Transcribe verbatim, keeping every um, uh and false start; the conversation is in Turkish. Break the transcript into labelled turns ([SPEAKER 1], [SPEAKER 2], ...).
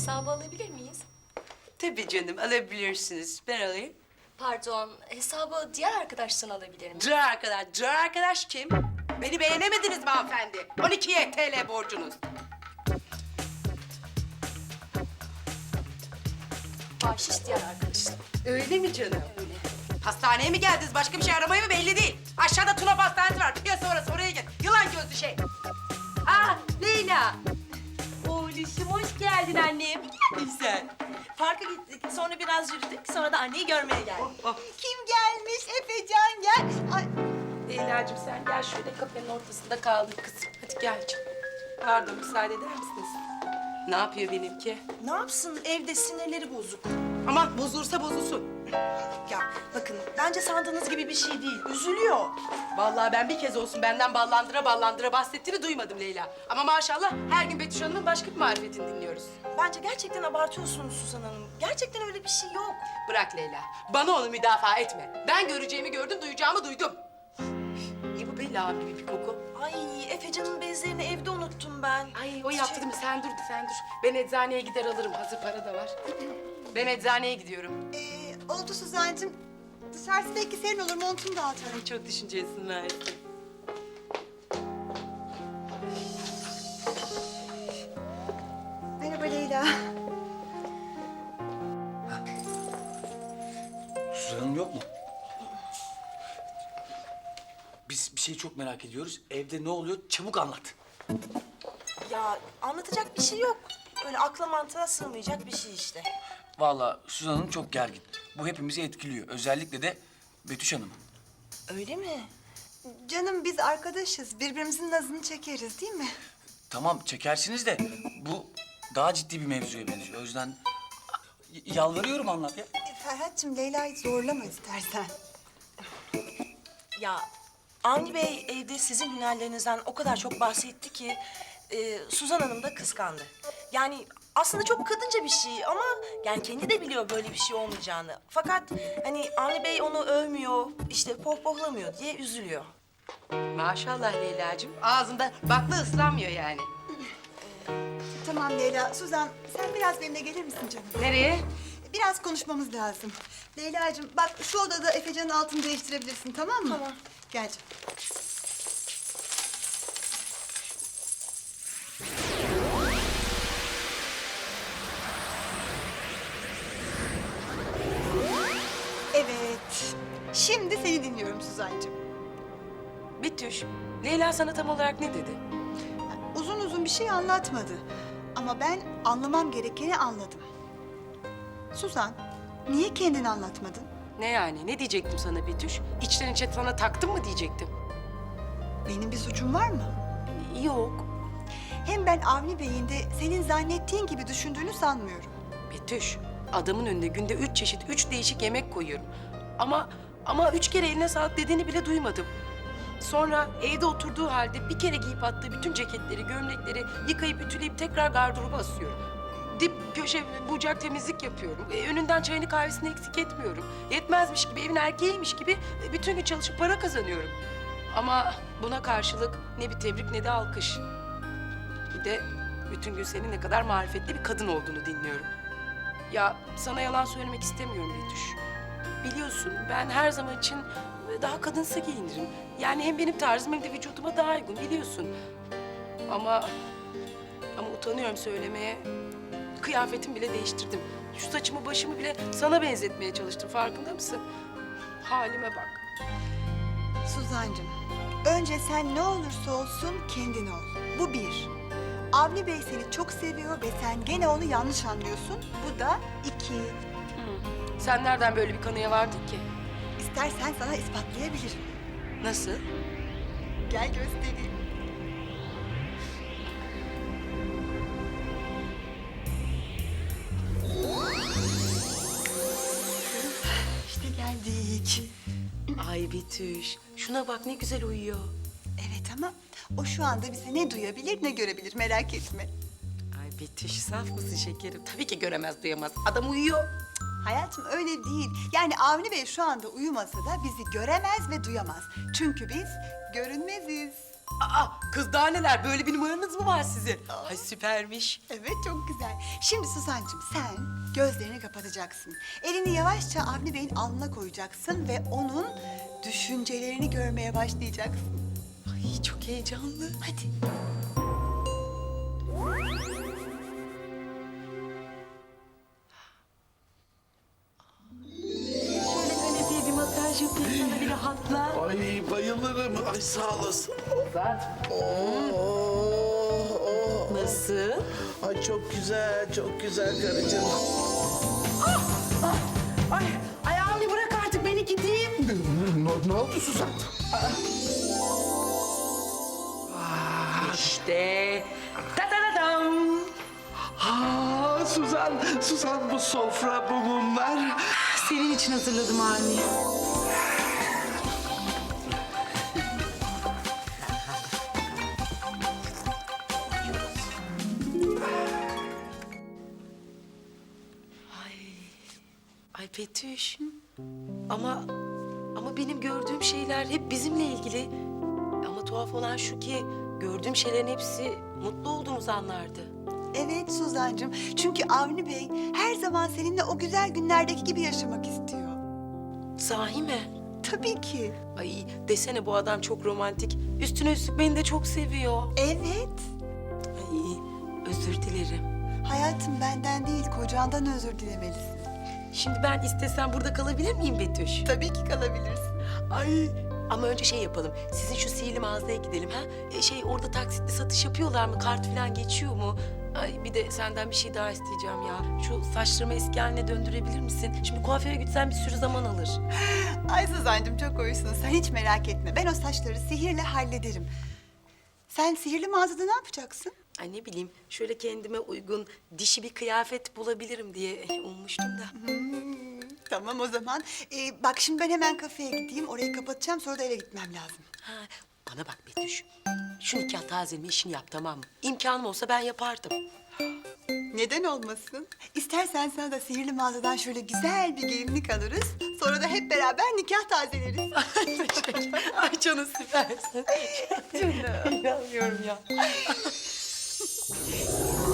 [SPEAKER 1] hesabı alabilir miyiz?
[SPEAKER 2] Tabii canım, alabilirsiniz. Ben alayım.
[SPEAKER 1] Pardon, hesabı diğer arkadaştan alabilir miyim?
[SPEAKER 2] Dur arkadaş, dur arkadaş kim? Beni beğenemediniz mi hanımefendi? on iki T L borcunuz.
[SPEAKER 1] Bahşiş diğer arkadaştan.
[SPEAKER 2] Öyle mi canım?
[SPEAKER 1] Öyle.
[SPEAKER 2] Hastaneye mi geldiniz? Başka bir şey aramaya mı belli değil. Aşağıda Tuna Pastanesi var. Piyasa orası, oraya git. Yılan gözlü şey. Aa, Leyla.
[SPEAKER 3] Oğluşum hoş geldin annem.
[SPEAKER 2] Güzel.
[SPEAKER 3] Parka gittik, sonra biraz yürüdük, sonra da anneyi görmeye geldik.
[SPEAKER 2] Oh.
[SPEAKER 4] Kim gelmiş? Efecan gel. Ay,
[SPEAKER 2] Leyla'cığım sen gel şöyle kafenin ortasında kaldın kızım. Hadi gel canım. Pardon, müsaade eder misiniz? Ne yapıyor benimki?
[SPEAKER 3] Ne yapsın, evde sinirleri bozuk.
[SPEAKER 2] Ama bozulursa bozulsun.
[SPEAKER 3] Ya bakın, bence sandığınız gibi bir şey değil, üzülüyor.
[SPEAKER 2] Vallahi ben bir kez olsun benden ballandıra ballandıra bahsettiğini duymadım Leyla. Ama maşallah her gün Betüş Hanım'ın başka bir marifetini dinliyoruz.
[SPEAKER 3] Bence gerçekten abartıyorsunuz Suzan Hanım. Gerçekten öyle bir şey yok.
[SPEAKER 2] Bırak Leyla, bana onu müdafaa etme. Ben göreceğimi gördüm, duyacağımı duydum. İyi bu Bella abi gibi bir koku.
[SPEAKER 3] Ay, Efecan'ın bezlerini evde unuttum ben.
[SPEAKER 2] Ay o yaptı değil mi? Sen dur, sen dur. Ben eczaneye gider alırım, hazır para da var. Ben eczaneye gidiyorum.
[SPEAKER 4] e, oldu Suzancığım. Dışarısı belki serin olur, montunu da al canım.
[SPEAKER 2] Ay çok düşüncelisin Mersi.
[SPEAKER 4] Merhaba Leyla.
[SPEAKER 5] Suzan Hanım yok mu? Biz bir şeyi çok merak ediyoruz. Evde ne oluyor? Çabuk anlat.
[SPEAKER 3] Ya anlatacak bir şey yok. Öyle akla mantığa sığmayacak bir şey işte.
[SPEAKER 5] Vallahi Suzan Hanım çok gergin. Bu hepimizi etkiliyor. Özellikle de Betüş Hanım.
[SPEAKER 3] Öyle mi?
[SPEAKER 4] Canım biz arkadaşız. Birbirimizin nazını çekeriz değil mi?
[SPEAKER 5] Tamam çekersiniz de bu daha ciddi bir mevzuya benziyor. O yüzden y- yalvarıyorum anlat ya.
[SPEAKER 4] E, Ferhat'cığım Leyla'yı zorlama istersen.
[SPEAKER 3] Ya Avni Bey evde sizin hünerlerinizden o kadar çok bahsetti ki e, Suzan Hanım da kıskandı. Yani aslında çok kadınca bir şey ama yani kendi de biliyor böyle bir şey olmayacağını. Fakat hani Avni Bey onu övmüyor, işte pohpohlamıyor diye üzülüyor.
[SPEAKER 2] Maşallah Leyla'cığım, ağzında bakla ıslanmıyor yani.
[SPEAKER 4] Tamam Leyla. Suzan sen biraz benimle gelir misin canım?
[SPEAKER 2] Nereye?
[SPEAKER 4] Biraz konuşmamız lazım. Leyla'cığım bak şu odada Efecan'ın altını değiştirebilirsin, tamam mı?
[SPEAKER 3] Tamam.
[SPEAKER 4] Gel canım. Evet. Şimdi seni dinliyorum Suzancığım.
[SPEAKER 2] Betüş, Leyla sana tam olarak ne dedi?
[SPEAKER 4] Uzun uzun bir şey anlatmadı. Ama ben anlamam gerekeni anladım. Suzan, niye kendini anlatmadın?
[SPEAKER 2] Ne yani? Ne diyecektim sana Betüş? İçten içe sana taktım mı diyecektim?
[SPEAKER 4] Benim bir suçum var mı?
[SPEAKER 2] Yok.
[SPEAKER 4] Hem ben Avni Bey'in de senin zannettiğin gibi düşündüğünü sanmıyorum.
[SPEAKER 2] Betüş, adamın önüne günde üç çeşit, üç değişik yemek koyuyorum. Ama ama üç kere eline sağlık dediğini bile duymadım. Sonra evde oturduğu halde bir kere giyip attığı bütün ceketleri, gömlekleri yıkayıp ütüleyip tekrar gardıroba asıyorum. Dip köşe bucak temizlik yapıyorum. E, önünden çayını kahvesini eksik etmiyorum. Yetmezmiş gibi, evin erkeğiymiş gibi e, bütün gün çalışıp para kazanıyorum. Ama buna karşılık ne bir tebrik ne de alkış. Bir de bütün gün senin ne kadar marifetli bir kadın olduğunu dinliyorum. Ya sana yalan söylemek istemiyorum Betüş. Biliyorsun ben her zaman için daha kadınsı giyinirim. Yani hem benim tarzım hem de vücuduma daha uygun biliyorsun. Ama ama utanıyorum söylemeye. Kıyafetimi bile değiştirdim. Şu saçımı başımı bile sana benzetmeye çalıştım. Farkında mısın? Halime bak.
[SPEAKER 4] Suzancığım, önce sen ne olursa olsun kendin ol. Bu bir. Avni Bey seni çok seviyor ve sen gene onu yanlış anlıyorsun. Bu da iki.
[SPEAKER 2] Sen nereden böyle bir kanıya vardın ki?
[SPEAKER 4] İstersen sana ispatlayabilirim.
[SPEAKER 2] Nasıl?
[SPEAKER 4] Gel göstereyim. İşte geldik.
[SPEAKER 2] Ay Betüş, şuna bak ne güzel uyuyor.
[SPEAKER 4] Evet ama o şu anda bize ne duyabilir ne görebilir, merak etme.
[SPEAKER 2] Ay Betüş, saf mısın şekerim? Tabii ki göremez, duyamaz. Adam uyuyor.
[SPEAKER 4] Hayatım öyle değil. Yani Avni Bey şu anda uyumasa da bizi göremez ve duyamaz. Çünkü biz görünmeziz.
[SPEAKER 2] Aa, kız daha neler? Böyle bir numaranız mı var sizin? Ay süpermiş.
[SPEAKER 4] Evet, çok güzel. Şimdi Suzancığım sen gözlerini kapatacaksın. Elini yavaşça Avni Bey'in alnına koyacaksın ve onun düşüncelerini görmeye başlayacaksın.
[SPEAKER 2] Ay çok heyecanlı.
[SPEAKER 4] Hadi.
[SPEAKER 2] Şöyle kanepeye bir masaj yapayım sana bir rahatla.
[SPEAKER 6] Ay bayılırım. Ay sağ olasın. Oh, oh.
[SPEAKER 2] Nasıl?
[SPEAKER 6] Ay çok güzel, çok güzel karıcığım.
[SPEAKER 2] Ay, ay Avni bırak artık beni gideyim.
[SPEAKER 6] Ne, ne oldu Suzan?
[SPEAKER 2] İşte. Ta ta ta tam.
[SPEAKER 6] Ha Suzan, Suzan bu sofra, bu mumlar.
[SPEAKER 2] Senin için hazırladım Avni. Ay, ay Betüş. Ama ama benim gördüğüm şeyler hep bizimle ilgili. Ama tuhaf olan şu ki gördüğüm şeylerin hepsi mutlu olduğumuz anlardı.
[SPEAKER 4] Evet Suzancığım. Çünkü Avni Bey her zaman seninle o güzel günlerdeki gibi yaşamak istiyor.
[SPEAKER 2] Sahi mi?
[SPEAKER 4] Tabii ki.
[SPEAKER 2] Ay desene bu adam çok romantik. Üstüne üstlük beni de çok seviyor.
[SPEAKER 4] Evet.
[SPEAKER 2] Ay özür dilerim.
[SPEAKER 4] Hayatım benden değil, kocandan özür dilemelisin.
[SPEAKER 2] Şimdi ben istesem burada kalabilir miyim Betüş?
[SPEAKER 4] Tabii ki kalabilirsin.
[SPEAKER 2] Ay ama önce şey yapalım. Sizin şu sihirli mağazaya gidelim ha. E, şey orada taksitli satış yapıyorlar mı? Kart falan geçiyor mu? Ay bir de senden bir şey daha isteyeceğim ya. Şu saçlarımı eski haline döndürebilir misin? Şimdi kuaföre gitsen bir sürü zaman alır.
[SPEAKER 4] Ay Suzancığım çok hoşsun. Sen hiç merak etme. Ben o saçları sihirle hallederim. Sen sihirli mağazada ne yapacaksın?
[SPEAKER 2] Ay ne bileyim şöyle kendime uygun dişi bir kıyafet bulabilirim diye ummuştum da.
[SPEAKER 4] Tamam o zaman. Ee, bak şimdi ben hemen kafeye gideyim. Orayı kapatacağım. Sonra da eve gitmem lazım.
[SPEAKER 2] Ha, bana bak Betüş. Şu nikah tazeleme işini yap tamam mı? İmkanım olsa ben yapardım.
[SPEAKER 4] Neden olmasın? İstersen sana da sihirli mağazadan şöyle güzel bir gelinlik alırız. Sonra da hep beraber nikah tazeleriz.
[SPEAKER 2] Ay canım süpersin. Canım. İnanmıyorum ya.